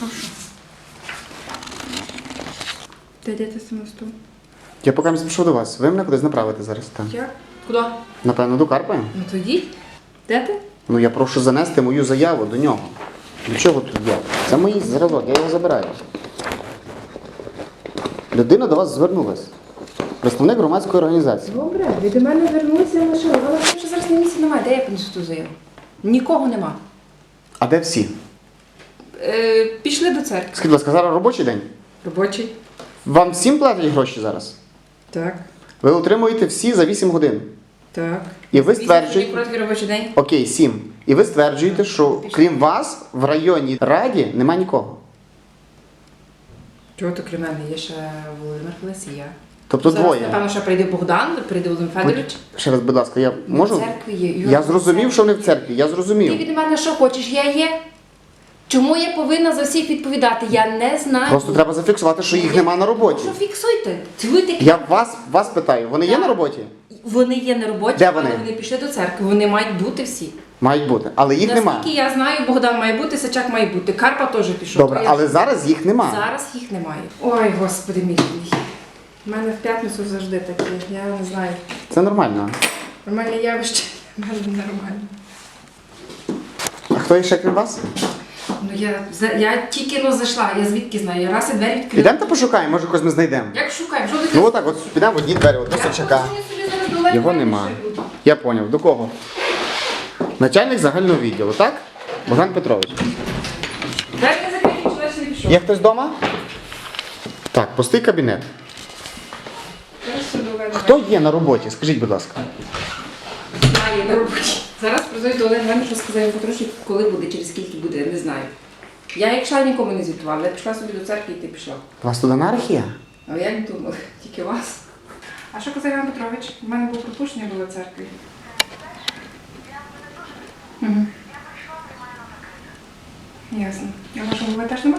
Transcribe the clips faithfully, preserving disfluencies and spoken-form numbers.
Прошу. Ти йдете самостійно? Я поки не спішу до вас. Ви мене кудись направите зараз там. Як? Куди? Напевно, до Карпи. Ну то йдіть. Де ти? Ну я прошу занести мою заяву до нього. До чого тут я? Це мій зразок, я його забираю. Людина до вас звернулась. Представник громадської організації. Добре, ви до мене звернулися на машину. Але що зараз на місці немає. Де я понесу ту заяву? Нікого нема. А де всі? Е, пішли до церкви. Скажіть, будь ласка, зараз робочий день? Робочий. Вам всім платять гроші зараз? Так. Ви отримуєте всі за вісім годин. Так. І ви Вісім стверджуєте... короткий робочий день. Окей, сім. І ви стверджуєте, що крім вас в районній раді немає нікого. Чого то крім мене? Є ще Володимир Фелес і я. Тобто Зараз, двоє. напевно, що прийде Богдан, прийде Володимир Федорович. Ще раз, будь ласка, я Ми можу? в церкві є. Я зрозумів, що вони в церкві. Я Ти зрозумів. від мене що хочеш? Я є. Чому я повинна за всіх відповідати? Я не знаю. Просто треба зафіксувати, що їх нема на роботі. Що фіксуйте? Ви такі. Я вас, вас питаю, вони є Так. на роботі? Вони є на роботі, Де але вони? вони пішли до церкви. Вони мають бути всі. Мають бути, але їх Наскільки нема. я знаю, Богдан має бути, Сачак має бути. Карпа теж пішов. Добре, То я- але зараз їх нема. Зараз їх немає. Ой, господи мій. У мене в п'ятницю завжди таке. Я не знаю. Це нормально. Нормальне явище. У мене нормально. А хто ще крім вас? Ну я, за- я тільки ну, зайшла, я звідки знаю, я раз і двері відкрила. Підемо та пошукаємо, може когось ми знайдемо. Як шукаємо? Що Ну отак, от підемо в одні двері, от до Сачака. Його нема. Я поняв. До кого? Начальник загального відділу, так? Богдан Петрович. Двері не закриті, чоловік не пішов. Є хтось вдома? Так, пустий кабінет. Хто є на роботі? Скажіть, будь ласка. Знає на роботі. Зараз призову до Олени Івановни, що сказав йому потрошки, коли буде, через скільки буде, я не знаю. Я як йшла, нікому не звітувала. Я пішла собі до церкви і ти пішла. У вас тут анархія? А я не думала, тільки вас. А що казав Іван Петрович? У мене було пропущення було в церкві. Угу. Ясно. А вашого голови теж нема?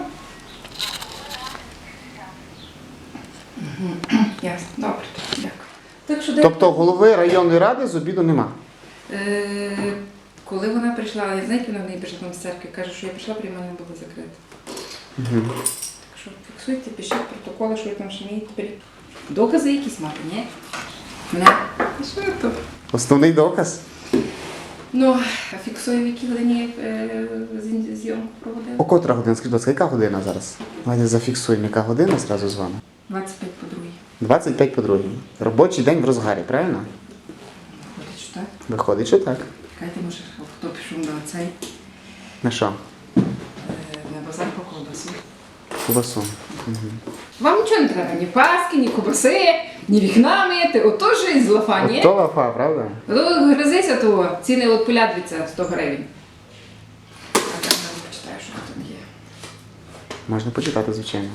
Угу. Ясно. Добре. Дякую. Так що де... Тобто голови районної ради з обіду нема? Е, коли вона прийшла, я знаєте, вона в неї прийшла там з церкви, каже, що я прийшла, приймальня була закрита. Угу. Так що фіксуйте, пишіть протоколи, що ви там ще вмієте. Беріть. Докази якісь мати, ні? Не. А що то? Основний доказ. Ну, а фіксую, в якій годині е, з- зйомку проводили? О котра година? Скажіть, будь ласка, яка година зараз? Давайте зафіксуємо, яка година зразу з вами. двадцять п'ять по другій. двадцять п'ять по другій. Робочий день в розгарі, правильно? Ходить, що так? Виходить, що так. Чекайте, може, хто пішов на цей, На що? е, на базар по ковбасу. Кубасу. Угу. Вам нічого не треба, ні паски, ні кубаси, ні вікна мити, ото ж із лафа, ні? То лафа, правда? Ну, гризися того, ціни от полядвіться сто гривень. А так я почитаю, що тут є. Можна почитати, звичайно.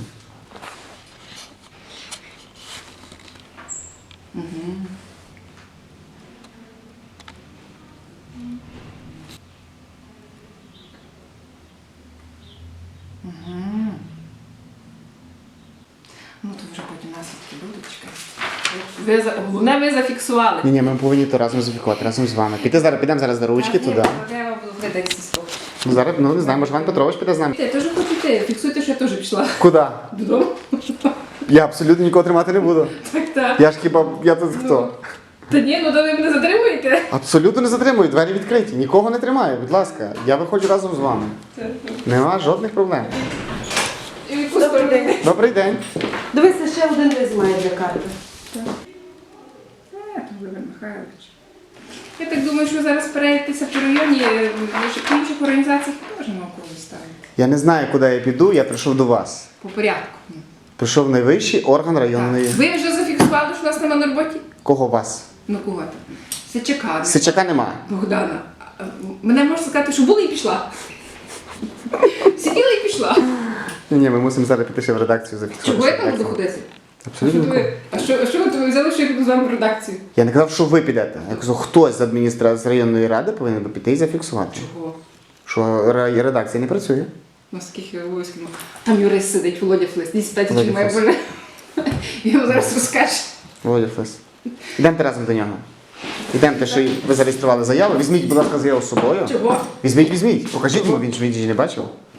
Угу. Угу. Ну, то вже потім наслідки будуть, чекайте. Ви, за- головне, ви зафіксували. Ні, ні, ми повинні то разом зафікувати, разом з вами. Піти зараз, підемо зараз до ручки туди. Я вам буду видатися слово. Ну, зараз, ну не знаю, може Іван Петрович піде з нами. Я теж хочу йти. Фіксуйте, що я теж пішла. Куди? Додому. Я абсолютно нікого тримати не буду. Так, так. Я ж хіба, я тут хто? Та ні, ну то ви мене затримуєте. Абсолютно не затримую, двері відкриті. Нікого не тримаю, будь ласка. Я виходжу разом з вами. Нема жодних проблем. І в яку сторону? Добрий день. Дивися, ще один лист має для карти. Е, Володимир Михайлович. Я так думаю, що зараз перейдетеся по районі, е, в інших організаціях теж науково ставити. Я не знаю, куди я піду, я прийшов до вас. По порядку. Прийшов найвищий орган районної. Так. Ви вже зафіксували, що нас нема на роботі? Кого вас? Ну кого там? Сичака. Сичака немає. Богдана. А, мене можна сказати, що була і пішла. Сиділа і пішла. Ні, ні, ми мусимо зараз піти ще в редакцію зафіксувати. Чого я там буду ходити? А Абсолютно. що ви- А що, а що ви ви взяли, що я піду з вами в редакцію? Я не казав, що ви підете. Я казав, хтось з адміністрації з районної ради повинен би піти і зафіксувати. Чого? Що ре- редакція не працює. Ну, скільки обов'язків. Ну, там юрист сидить, Володя Флес. Ні, спитайте, Володя чи має Флес. боже. Він йому зараз розкаже. Володя Флес. Ідемте разом до нього. Ідемте, що ви зареєстрували заяву. Візьміть, будь ласка, заяву з собою. Чого? Візьміть, візьміть. Покажіть йому, він ж він ж не бачив.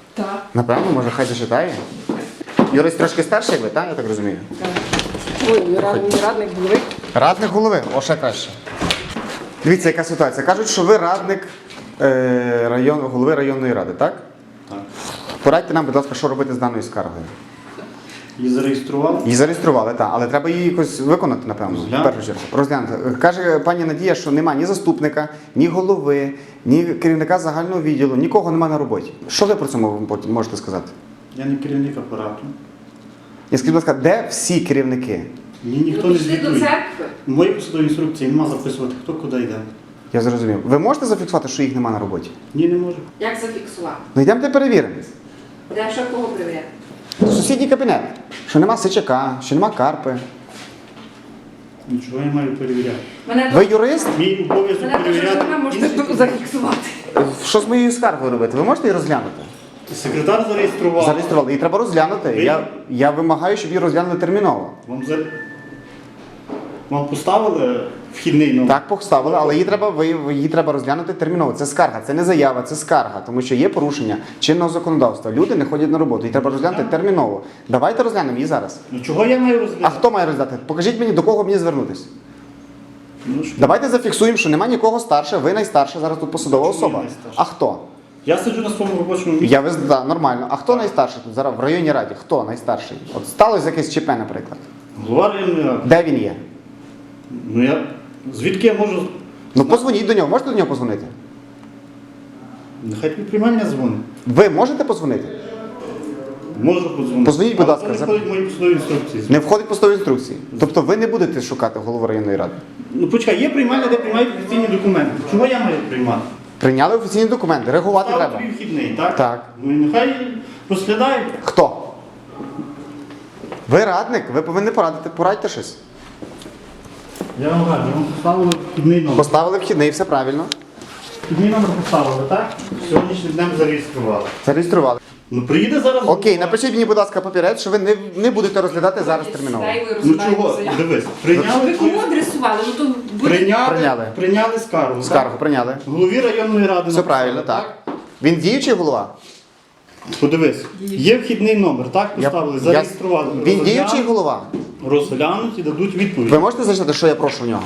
Так. Напевно, може, хай зачитає. Юрист трошки старший, як ви, так? Я так розумію. Ой, радник, радник голови. Радник голови, о, ще краще. Дивіться, яка ситуація. Кажуть, що ви радник е, район, голови районної ради, так? Так. Порадьте нам, будь ласка, що робити з даною скаргою. Її зареєстрував. Її зареєстрували, так, але треба її якось виконати, напевно. Розглянути. В першу чергу. Розглянути. Каже пані Надія, що нема ні заступника, ні голови, ні керівника загального відділу, нікого нема на роботі. Що ви про це мов- можете сказати? Я не керівник апарату. Я скажіть, будь ласка, де всі керівники? Мені ніхто Ви не пішли до звітує. церкви. В моїй посадовій інструкції нема записувати, хто куди йде. Я зрозумів. Ви можете зафіксувати, що їх нема на роботі? Ні, не можу. Як зафіксувати? Ну йдемте перевіримо. Де що кого перевіряти? Сусідній кабінет. Що нема Сичака, що нема Карпи. Нічого я маю перевіряти. Мене Ви юрист? Мій обов'язок Мене дуже перевіряти. жена можете інших людей. зафіксувати. Що з моєю скаргою робити? Ви можете її розглянути? Секретар зареєстрував. Зареєстрували. Її треба розглянути. Ви- Я, я вимагаю, щоб її розглянули терміново. Вам, за... Вам поставили вхідний номер? Так, поставили, але її треба, ви- її треба розглянути терміново. Це скарга, це не заява, це скарга, тому що є порушення чинного законодавства. Люди не ходять на роботу, її треба розглянути терміново. Давайте розглянемо її зараз. Ну чого я маю А розглядати? хто має розглядати? Покажіть мені, до кого мені звернутися. Ну, що? Давайте зафіксуємо, що немає нікого старше, ви найстарша, зараз тут посадова Чому я особа. найстарша? А хто? Я сиджу на своєму робочому місці. Я виз... да, нормально. А хто найстарший тут зараз в районній раді? Хто найстарший? От сталося якесь ЧП, наприклад. Голова районної ради. Де він є? Ну я... Звідки я можу... Ну позвоніть до нього, можете до нього позвонити? Нехай тобі приймальня дзвонить. Ви можете позвонити? Можу подзвонити. Позвоніть, будь Але ласка, це за- не входить в мої посадові інструкції. Не входить в постові інструкції. Тобто ви не будете шукати голову районної ради. Ну почекай, є приймальня, де приймають офіційні документи. Чого я маю приймати? Прийняли офіційні документи, реагувати Став треба. тобі вхідний, так? Так. Ну і нехай розглядають. Хто? Ви радник, ви повинні порадити, порадьте щось. Я вам кажу, вам поставили вхідний номер. Поставили вхідний, все правильно. Вхідний номер поставили, так? Сьогоднішнім днем зареєстрували. Зареєстрували. Ну приїде зараз. Окей, напишіть мені, будь ласка, папірець, що ви не, не будете розглядати зараз терміново. Сюди і ви Ну розглядаєте чого? заяву. Дивись, Ви прийняли кому твою- адресували? Ну то буде... Прийняли, Прийняли. прийняли скаргу. Скаргу так? прийняли. Голові районної ради. Все написали, правильно, так. Він діючий голова? Подивись, є вхідний номер, так? Поставили, Я- зареєстрували. Він Розглянуть, діючий голова? Розглянуть і дадуть відповідь. Ви можете зачитати, що я прошу в нього?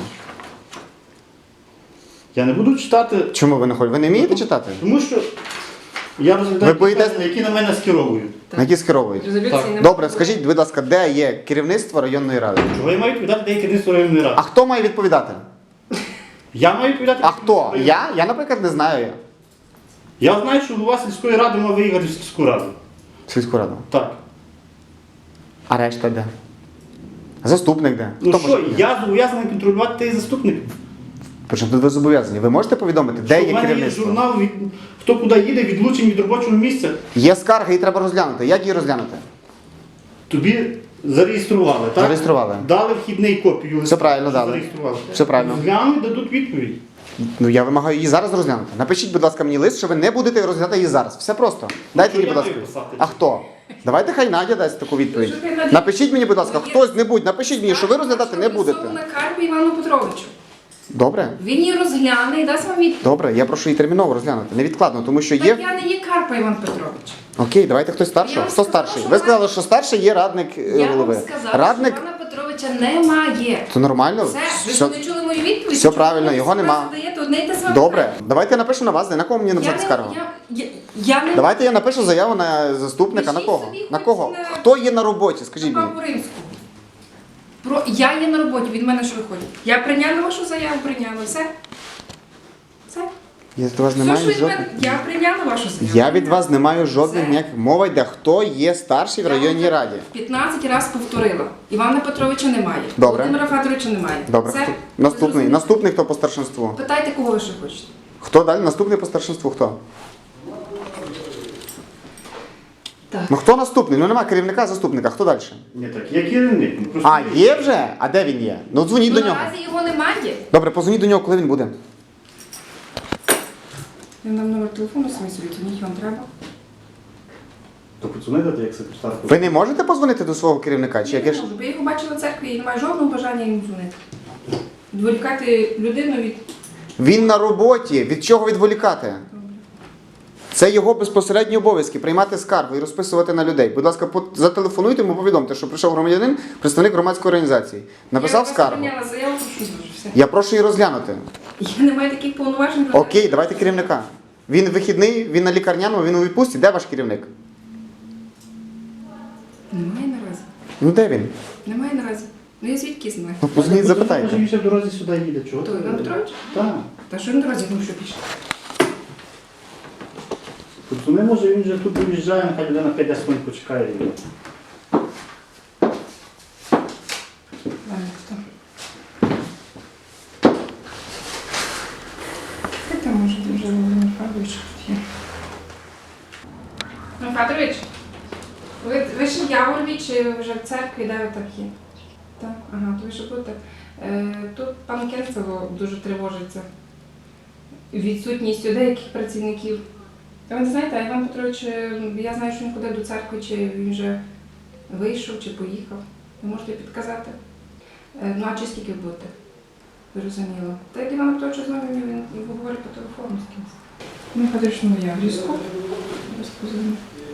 Я не буду читати, Чому ви не хочете? Ви не вмієте читати? тому що я розглядаю Ви боїтесь- питання, які на мене скеровують. На які скеровують? Резолюції Так. немає. Добре, скажіть, будь ласка, де є керівництво районної ради? Чого я маю відповідати, де є керівництво районної ради? А хто має відповідати? Я маю відповідати. А керівництву хто? районної Я? Я, наприклад, не знаю. Я знаю, що голова сільської ради мав виїхати в сільську раду. Сільську раду. Так. А решта де? Заступник де? Ну Хто що, може? я зобов'язаний контролювати той заступник. Причому тут ви зобов'язані. Ви можете повідомити, де Що в є мене є керівництво? журнал, від... хто куди їде, відлучень від робочого місця. Є скарга, її треба розглянути. Як її розглянути? Тобі зареєстрували, так? Зареєстрували. Дали вхідний копію. Все правильно що дали. Зареєстрували. Все правильно. Розглянуть, дадуть відповідь. Ну я вимагаю її зараз розглянути. Напишіть, будь ласка, мені лист, що ви не будете розглядати її зараз. Все просто. Дайте що мені, я будь ласка. маю писати? А хто? Давайте хай Надя дасть таку відповідь. Що хай Надя? Напишіть мені, будь ласка, Ну, є- хтось-небудь, напишіть мені, що ви розглядати не будете. На Карпі Івану Петровичу. Добре? Він її розгляне і дасть вам відповідь. Добре, я прошу її терміново розглянути. Невідкладно, тому що Так є. я не є Карпа Іван Петрович. Окей, давайте хтось старший. Я вам Хто сказала, старший? що Ви вона- сказали, що старший є радник е, Я голови. вам сказала, Радник, що Івана Петровича немає. то нормально. Все, ви Все- ж не чули мою відповідь? все Чому правильно, ви його собі нема. задаєте одне й те саме Добре, питання? давайте я напишу на вас, на кого мені Я написати не- скаргу? я- я- Я не Давайте я напишу заяву на заступника. На Пишіть кого? собі На хоч кого? на- Хто є на роботі? Скажіть мені. Папу Римського. Про я є на роботі, від мене що виходить? Я прийняла вашу заяву, прийняла. Все. Все. Я від вас не Все, маю що від жодних. мене, я прийняла вашу заяву. Я від вас не маю жодних Все. ніяких. Мова йде, хто є старший в Я районній вам раді. п'ятнадцять разів повторила. Івана Петровича немає. Добре. Володимира Федоровича немає. Добре. Все? Хто- Ви Наступний. зрозуміли? Наступний хто по старшинству? Питайте, кого ви ще хочете. Хто далі? Наступний по старшинству хто? Так. Ну хто наступний? Ну нема керівника, заступника. Хто далі? Ні, так, я керівник. ну, просто- А, є вже? А де він є? Ну дзвоніть Ну, до нього. наразі його немає. Добре, позвоніть до нього, коли він буде. Він нам номер телефону самі собі, дзвоніть, вам треба. То подзвонити як секретарку. Ви не можете позвонити до свого керівника? Чи Я яке не ж? можу, бо я його бачила в церкві і не маю жодного бажання йому дзвонити. Відволікати людину від... Він на роботі. Від чого відволікати? Це Це його безпосередні обов'язки приймати скаргу і розписувати на людей. Будь ласка, по- зателефонуйте йому, повідомте, що прийшов громадянин, представник громадської організації. Написав Я скаргу. прийняла заяву, прошу дуже все. Я прошу її розглянути. Я не маю таких повноважень. Окей, давайте керівника. Він вихідний, він на лікарняному, він у відпустці. Де ваш керівник? Немає наразі. Ну де він? Немає наразі. Ну я звідки знаю? Ну позвоніть, Може, запитайте. він ще в дорозі сюди їде, чого? Хто, Іван Петрович? Так. Та що він наразі, ну що пішли? Подзвони, може, він вже тут виїжджає, нехай людина п'ять хвилин почекає. і- Ладно, хто? Хай там може вже Володимир Федорович тут є. Ну, Федорович, ви, ви ще в Яворові чи ви вже в церкві, де ви так є? Так, ага, то ви ще будете. Е, тут пан Кенцево дуже тривожиться відсутністю деяких працівників. Та ви не знаєте, а Іван Петрович, е, я знаю, що він ходив до церкви, чи він вже вийшов, чи поїхав. Ви можете підказати? Е, Ну, а чи скільки ви будете? Зрозуміло. Та як Іван Петрович з вами, він говорить по телефону з кимось. Ну, Федорович, ну я в ліску. Розпозвоню.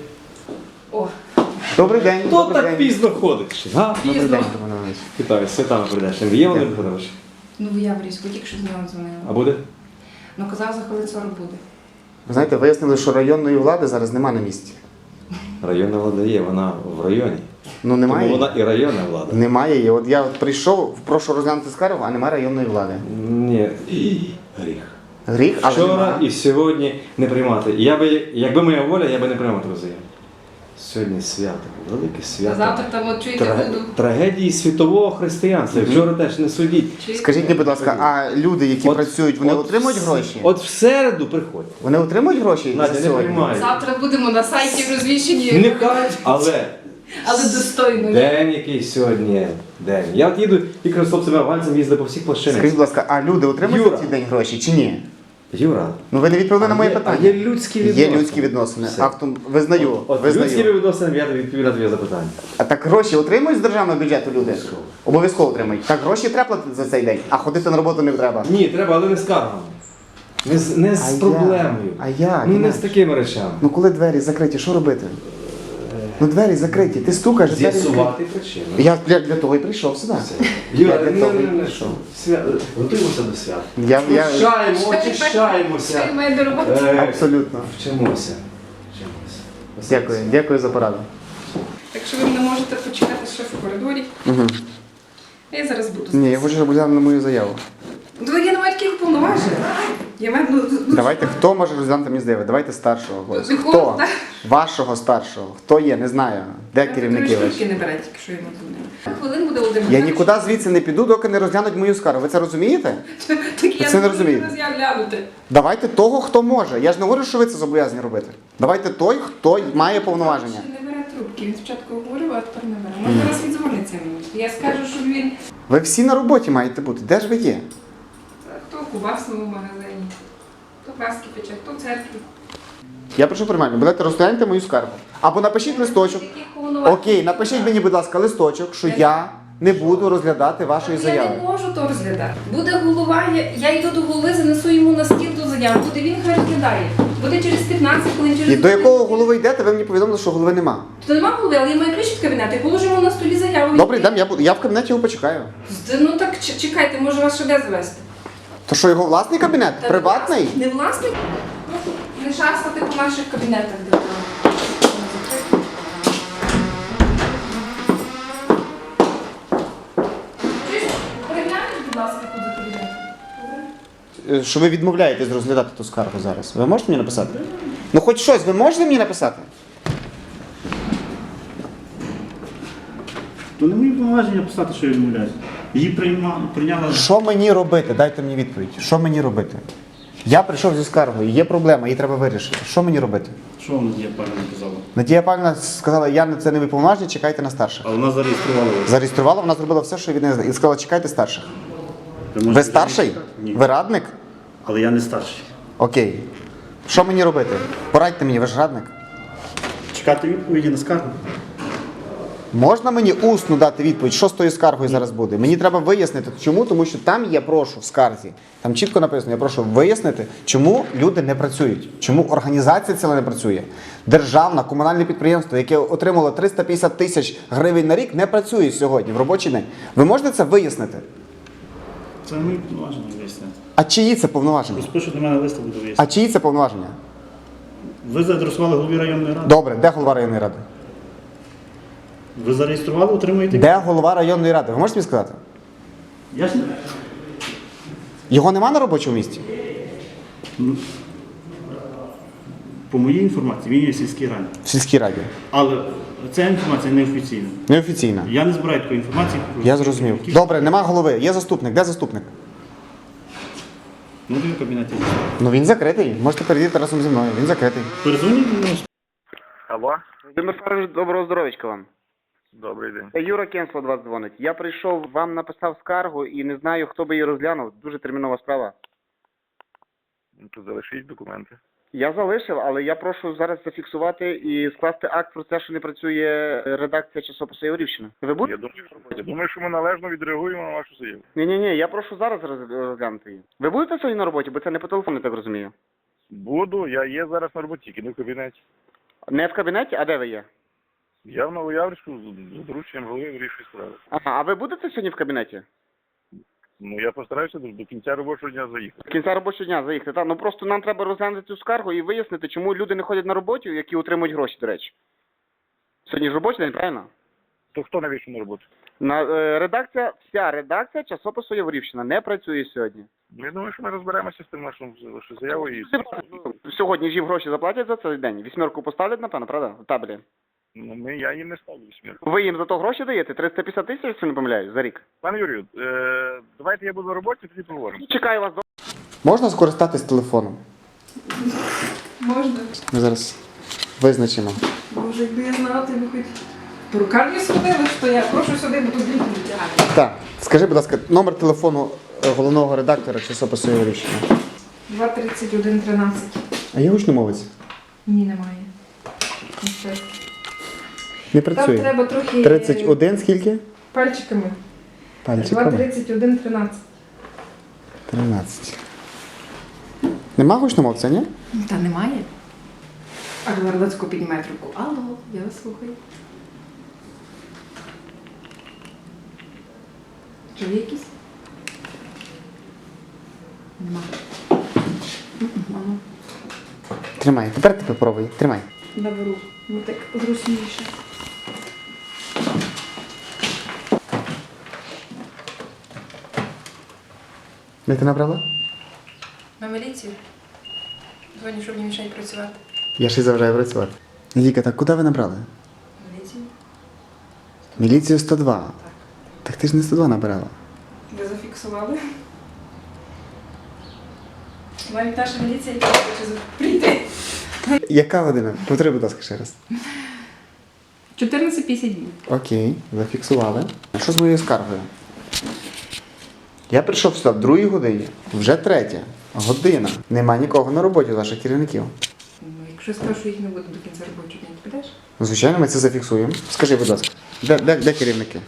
О, Добрий день. Хто добрий так день. пізно ходить? А? Добрий пізно. день, Роман Іванович. Вітаю, святами прийдеш. Є Володимир Федорович? Ну, я в ліску, тільки що з нього дзвонила. А буде? Ну, казав, за хвилин сорок буде. Ви знаєте, вияснили, що районної влади зараз нема на місці. Районна влада є, вона в районі. Ну немає. Тому вона і районна влада. Немає її. От я от прийшов, прошу розглянути скаргу, а немає районної влади. Ні, і гріх. Гріх, але Вчора нема. і сьогодні не приймати. Я би, якби моя воля, я би не приймав таку заяву. Сьогодні свято, велике А свято. завтра там, от чуєте, Тра- буду. Трагедії світового християнства. Вчора теж не судіть. Чуєте? Скажіть мені, будь ласка, а люди, які От- працюють, вони от отримують в- гроші? От в середу приходь. Вони отримують гроші Надя, за не сьогодні? приймай. Завтра будемо на сайті розвішені, Нехай, але але достойно. день який сьогодні день. Я от їду тільки з хлопцями афганцями їздив по всіх Скажіть, площинах. будь ласка, а люди отримують Юра. за цей день гроші чи ні? Юра, Ну ви не відповіли на моє є- питання. а є людські відносини. Є людські відносини. Все. Актом визнаю, От, от визнаю. людські відносини, я тобі відповім на твоє запитання. А так гроші отримують з державного бюджету люди? Обов'язково. Обов'язково отримують. Так гроші треба платити за цей день, а ходити на роботу не треба. Ні, треба, але не з каргами. Не з, не з А як? проблемою. А як? Ну не Інакше. з такими речами. Ну коли двері закриті, що робити? Ну двері закриті, ти стукаєш, двері закриті. З'ясувати причину. Я для, для того і прийшов сюди. Юра, Я для не, того не, і не, не, прийшов. свя... Готуємося до свят. Я, я... Очищаємо, Що очищаємося. ви маєте робити? Е, Абсолютно. Вчимося. Вчимося. Дякую, дякую за пораду. Так що ви мене можете почекати ще в коридорі. Угу. Я зараз буду. Ні, я хочу, щоб розглянули на мою заяву. Ну, я не маю таких повноважень. Я маю, ну, ну, Давайте, хто може розглянути мені заяву? Давайте старшого. когось. Якого Хто? стар- Вашого старшого. Хто є? Не знаю. Де керівники Ви ваші? не берете, якщо йому дзвонили. Хвилин буде один. Я нікуди звідси не піду, доки не розглянуть мою скаргу. Ви це розумієте? Так я це не можу розумієте. зараз глянути. Давайте того, хто може. Я ж не говорю, що ви це зобов'язані робити. Давайте той, хто має повноваження. Ще не бере трубки. Він спочатку говорив, а тепер не бере. Може зараз віддзвониться мені. Я скажу, що він Ви всі на роботі маєте бути. Де ж ви є? хто в кубасному магазині, хто краски пече, хто в церкві. Я прошу приймально, будете розгляньте мою скаргу. Або напишіть листочок. Яких повноважень? Окей, напишіть мені, будь ласка, листочок, що я не буду розглядати вашої Так Я заяви. не можу то розглядати. Буде голова, я, я йду до голови, занесу йому на стіл ту заяву. Буде він хай розглядає. Буде через п'ятнадцять хвилин, через І до якого годину. голови йдете, ви мені повідомили, що голови нема. То нема голови, але я маю ключ від кабінету. Я положу йому на столі заяву. Добре, йдемо, я, буду- я в кабінеті його почекаю. Ну так ч- чекайте, може вас ще де завести? То що, його власний кабінет? Та Приватний? Не власник? Ну, не шастати по наших кабінетах, де там. Чуєш, переглянеш, будь ласка, тут за кабінетом. Добре? Е, Що ви відмовляєтесь розглядати ту скаргу зараз. Ви можете мені написати? Ну хоч щось, ви можете мені написати? То не мої повноваження писати, що я відмовляюся. Її прийма... прийняла. Що мені робити? Дайте мені відповідь. Що мені робити? Я прийшов зі скаргою, є проблема, її треба вирішити. Що мені робити? Що вона є, пані казала? Надія Павлівна сказала, я на це не виповноважена, чекайте на старших. А вона зареєструвала вас. Зареєструвала, вона зробила все, що від неї і сказала, чекайте старших. Ви, можете Ви старший? Ні. Ви радник? Але я не старший. Окей. Що мені робити? Порадьте мені, ви ж радник. Чекати відповіді на скаргу. Можна мені усно дати відповідь, що з тою скаргою зараз буде? Мені треба вияснити, чому, тому що там я прошу в скарзі, там чітко написано, я прошу вияснити, чому люди не працюють, чому організація ціла не працює. Державне, комунальне підприємство, яке отримало триста п'ятдесят тисяч гривень на рік, не працює сьогодні в робочий день. Ви можете це вияснити? Це не мої повноваження вияснити. А чиї це повноваження? Розпишу до мене листа, буду А вияснити. чиї це повноваження? Ви зареєстрували голові районної ради? Добре, де голова районної ради? Ви зареєстрували, отримуєте? Де голова районної ради? Ви можете мені сказати? Ясно? Його нема на робочому місці? По моїй інформації, він є в сільській раді. В сільській раді. Але ця інформація неофіційна. Неофіційна. Я не збираю такої інформації. Я зрозумів. Які- Добре, нема голови. Є заступник. Де заступник? Ну, він в кабінеті. Ну він закритий. Можете перейти разом зі мною. Він закритий. Перезвоніть до нього. Алло, Володимир Федорович, доброго здоров'ячка вам. добрий день. Юра Кенсло до вас дзвонить. Я прийшов, вам написав скаргу і не знаю, хто би її розглянув. Дуже термінова справа. Ну, то залишіть документи. Я залишив, але я прошу зараз зафіксувати і скласти акт про те, що не працює редакція часопису Яворівщина. Ви Я будете? думаю, що, я думаю, що ми належно відреагуємо на вашу заяву. Ні, ні, ні, я прошу зараз роз- розглянути її. Ви будете сьогодні на роботі, бо це не по телефону, я так розумію. Буду, я є зараз на роботі, тільки не в кабінеті. Не в кабінеті, а де ви є? Я в Новояврську з з дорученням голови вирішую справи. Ага, а ви будете сьогодні в кабінеті? Ну, я постараюся до, до кінця робочого дня заїхати. До кінця робочого дня заїхати. Та, ну просто нам треба розглянути цю скаргу і вияснити, чому люди не ходять на роботу, які отримують гроші, до речі. Сьогодні ж робочий день, правильно? То хто не вийшов на роботу? На, е, редакція, вся редакція часопису Яворівщина не працює сьогодні. Ну, я думаю, що ми розберемося з тим нашою вашою заявою. І... Сьогодні ж їм гроші заплатять за цей день. Вісьмерку поставлять, напевно, правда? В табелі. Ну, ми, я їм не ставлю смірку. Ви їм за то гроші даєте? триста п'ятдесят тисяч, якщо не помиляюсь, за рік. Пане Юрію, е, давайте я буду на роботі, тоді поговоримо. Чекаю вас до... Можна скористатись телефоном? Можна. Ми зараз визначимо. Боже, якби я знала, ти би хоч по рукаві сходили, що я прошу сюди, бо тут дітей витягати. Так, скажи, будь ласка, номер телефону е, головного редактора часопису Яворівщина. два тридцять один тринадцять. А є гучномовець? Ні, немає. Ось так. Не Там працює. треба трохи тридцять один скільки? пальчиками. два Пальчиками. тридцять один тринадцять. тринадцять. Нема гучномовця, ні? Та немає. А Горлецько піднімає трубку. Алло, я вас слухаю. Чи є якісь? Нема. Мама. Тримай. Тепер ти попробуй. Тримай. Наберу. Ну так зручніше. Де ти набрала? На міліцію? Дзвоню, щоб не мішать працювати. Я ще й заважаю працювати. Віка, так куди ви набрали? Міліцію? Міліцію сто два. Так ти ж не сто два набирала. Ви зафіксували? Навіть наша міліція яка хоче прийти. Яка година? Повтори, будь ласка, ще раз. чотирнадцять п'ятдесят днів. Окей, зафіксували. А що з моєю скаргою? Я прийшов сюди в другій годині, вже третя година. Нема нікого на роботі з ваших керівників. Ну, якщо скажу, що їх не буде до кінця робочого дня, ти підеш? Звичайно, ми це зафіксуємо. Скажи, будь ласка, де, де, де керівники?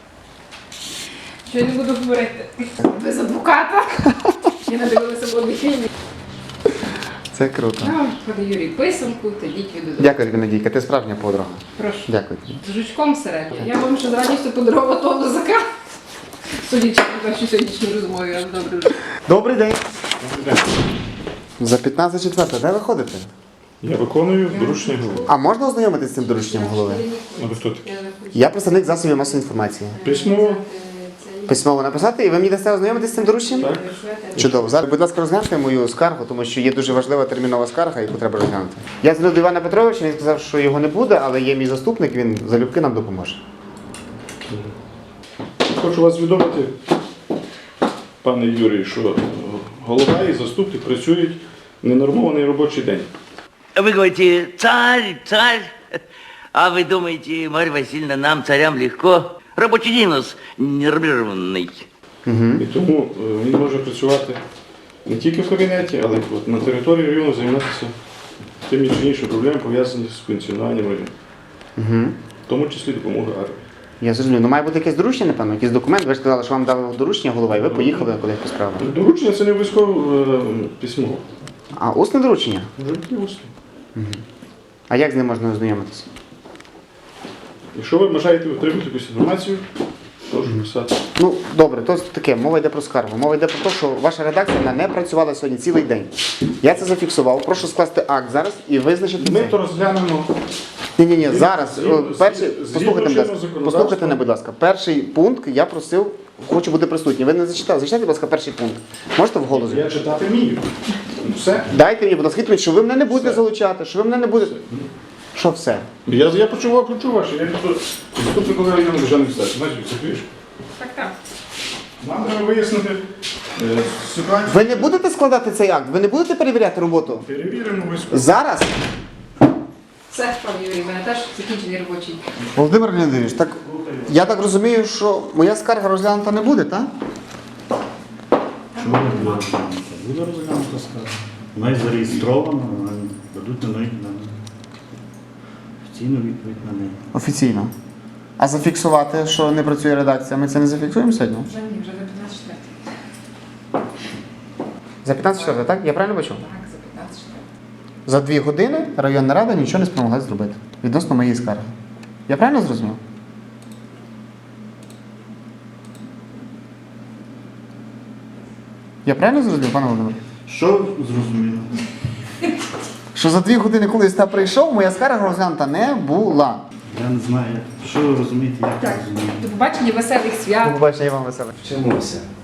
Що я не буду говорити? Без адвоката. Я надивилася в одній фільмі. Це круто. А, ходи Юрій писанку, та діть віду. Дякую тобі, Надійка, ти справжня подруга. Прошу. Дякую тобі. З жучком всередині. Я вам ще з радістю подарувала того лозака. Судячи по вашій сьогоднішній розмові, я добре вже. Добрий день. За п'ятнадцять четверта, де ви ходите? Я виконую доручення голови. А можна ознайомитися з цим дорученням голови? А ви хто такий? Я представник засобів масової інформації. Письмово? Письмово написати, і ви мені дасте ознайомитися з цим дорученням? Так. Чудово. Зараз, будь ласка, розгляньте мою скаргу, тому що є дуже важлива термінова скарга, яку треба розглянути. Я дзвонив до Івана Петровича, він сказав, що його не буде, але є мій заступник, він залюбки нам допоможе. Хочу вас відомити, пане Юрій, що голова і заступник працюють ненормований робочий день. Вы говорите, царь, царь, а вы думаете, Марья Васильевна, нам, царям, легко? Рабочий день у нас нервированный. І тому е, він може працювати не тільки в кабінеті, але й от на території району займатися тими чи іншими проблемами, пов'язані з функціонуванням району. тому числі допомоги армії. Я зрозумів. Ну має бути якесь доручення, напевно, якийсь документ. Ви ж сказали, що вам дали доручення голова, і ви поїхали кудись по справам. Доручення це не обов'язково е, письмо. А усне доручення? Вже такі усні. А як з ним можна ознайомитися? Якщо ви бажаєте отримати якусь інформацію, прошу писати. Ну, добре, то таке, мова йде про скаргу. Мова йде про те, що ваша редакція вона не працювала сьогодні цілий день. Я це зафіксував. Прошу скласти акт зараз і визначити Ми це. то розглянемо. Ні, ні, ні, зараз. згідно- о, Перший, згідно послухайте, будь ласка, чинного законодавства. послухайте мене, будь ласка. Перший пункт я просив, хочу бути присутній. Ви не зачитали. Зачитайте, будь ласка, перший пункт. Можете вголос? Я читати вмію. Ну, все. Дайте мені, будь ласка, відповідь, що ви мене не будете Все. залучати, що ви мене не будете. Що все? Я, я почув, почув ваше. Я ніхто заступник голови районного державної адміністрації. Знаєте, це пиш. Так, так. Нам треба вияснити е, ситуацію. Ви не будете складати цей акт? Ви не будете перевіряти роботу? Перевіримо обов'язково. Зараз? Все, пан Юрій, в мене теж закінчений робочий. Володимир Леонідович, так я так розумію, що моя скарга розглянута не буде, так? Чому не буде розглянута? Буде розглянута скарга. Вона і зареєстрована, вона дадуть на неї на офіційну відповідь на неї. Офіційно. А зафіксувати, що не працює редакція, ми це не зафіксуємо сьогодні? Вже ні, вже за п'ятнадцять четвертий. За п'ятнадцять четвертого, так? Я правильно бачу? Так, за п'ятнадцять четвертий. За дві години районна рада нічого не спромогла зробити відносно моєї скарги. Я правильно зрозумів? Я правильно зрозумів, пане Володимир? Що зрозуміло? Що за дві години, коли я прийшов, моя скарга розглянута не була. Я не знаю, як- що ви розумієте, як Так, я розумію. до побачення, веселих свят. До побачення, я вам веселий. Вчимося.